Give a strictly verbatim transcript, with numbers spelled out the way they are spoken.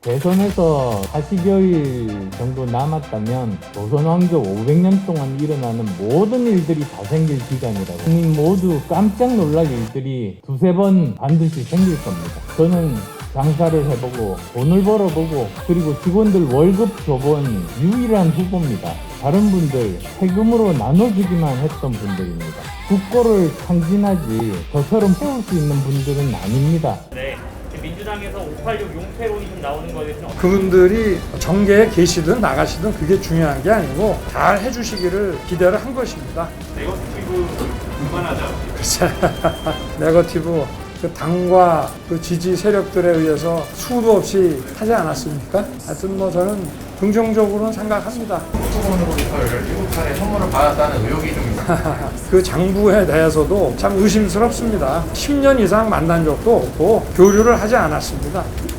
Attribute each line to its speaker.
Speaker 1: 대선에서 사십여일 정도 남았다면 조선 왕조 오백 년 동안 일어나는 모든 일들이 다 생길 기간이라고. 국민 모두 깜짝 놀랄 일들이 두세 번 반드시 생길 겁니다. 저는 장사를 해보고 돈을 벌어보고 그리고 직원들 월급 줘본 유일한 후보입니다. 다른 분들 세금으로 나눠주기만 했던 분들입니다. 국고를 탕진하지 저처럼 세울 수 있는 분들은 아닙니다.
Speaker 2: 네. 민주당에서 오팔육 용태론이 좀 나오는 거에 대해서는
Speaker 3: 그분들이 정계에 계시든 나가시든 그게 중요한 게 아니고 잘 해주시기를 기대를 한 것입니다.
Speaker 4: 네거티브 그만하자.
Speaker 3: 글쎄, 네거티브 그 당과 그 지지 세력들에 의해서 수도 없이 하지 않았습니까? 하여튼 뭐 저는 긍정적으로는 생각합니다.
Speaker 4: 수건으로부터 일곱 차례 선물을 받았다는 의혹이 좀 있습니다.
Speaker 3: 그 장부에 대해서도 참 의심스럽습니다. 십 년 이상 만난 적도 없고 교류를 하지 않았습니다.